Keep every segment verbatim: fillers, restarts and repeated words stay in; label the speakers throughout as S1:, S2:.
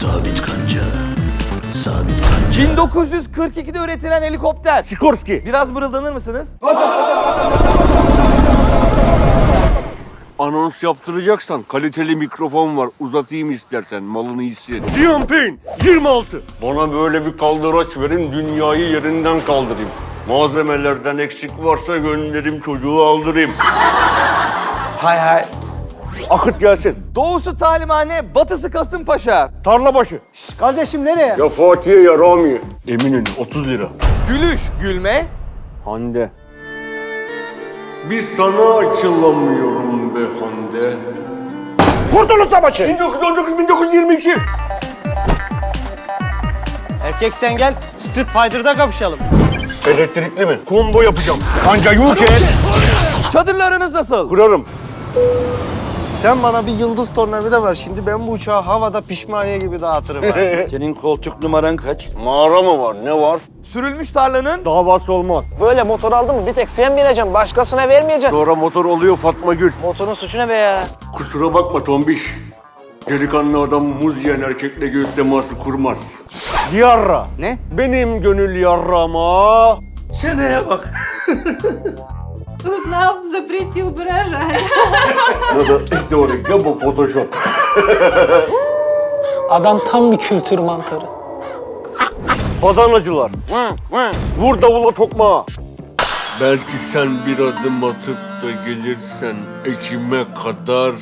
S1: Sabit kanca. Sabit kanca.
S2: bin dokuz yüz kırk ikide üretilen helikopter.
S3: Sikorsky.
S2: Biraz mırıldanır mısınız?
S4: Anons yaptıracaksan kaliteli mikrofon var. Uzatayım istersen, malını hisset.
S3: Liam Payne. yirmi altı.
S4: Bana böyle bir kaldıraç verin, dünyayı yerinden kaldırayım. Malzemelerden eksik varsa gönderim, çocuğu aldırayım.
S2: Hay hay.
S3: Akıt gelsin.
S2: Doğusu talimhane, batısı Kasımpaşa.
S3: Tarlabaşı.
S5: Kardeşim nereye?
S3: Ya Fatih'e ya Rami'ye. Eminönü otuz lira.
S2: Gülüş, gülme.
S3: Hande.
S4: Bir sana açılamıyorum be Hande.
S3: Kurtuluş Savaşı. bin dokuz yüz on dokuz bin dokuz yüz yirmi iki.
S5: Erkek sen gel, Street Fighter'da kapışalım.
S3: Elektrikli mi? Combo yapacağım. Kanca Yuke.
S2: Çadırla aranız nasıl?
S3: Kurarım.
S5: Sen bana bir yıldız tornavida ver. Şimdi ben bu uçağı havada pişmaniye gibi dağıtırım. ha.
S3: Senin koltuk numaran kaç?
S4: Mağara mı var, ne var?
S2: Sürülmüş tarlanın
S3: Davası olmaz.
S5: Böyle motor aldın mı bir tek sen bineceksin. Başkasına vermeyeceksin.
S4: Sonra motor oluyor Fatma Gül.
S5: Motorun suçu ne be ya?
S4: Kusura bakma tombiş. Delikanlı adam muz yiyen erkekle göğüs teması kurmaz.
S3: Yarra.
S2: ne?
S3: Benim gönül yarrama.
S5: Seneye bak.
S6: Узнал, запретил бы рожать.
S4: Ya da teorik ya bu Photoshop.
S5: Adam tam bir kültür mantarı.
S3: Badanacılar. Vur davula tokmağa.
S4: Belki sen bir adım atıp da gelirsen ekime kadar,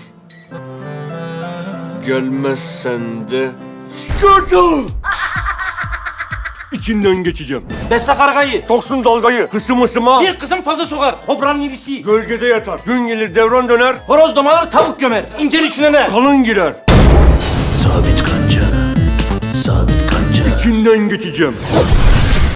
S4: gelmezsen de
S3: Skirtle. İçinden geçeceğim.
S5: Besle kargayı.
S3: Soksun dalgayı. Kısım ısıma.
S5: Bir kısım fazla sokar. Kobranın irisi.
S3: Gölgede yatar. Gün gelir devran döner.
S5: Horoz domalar tavuk gömer. İncir içine ne?
S3: Kalın girer.
S1: Sabit kanca. Sabit kanca.
S3: İçinden geçeceğim.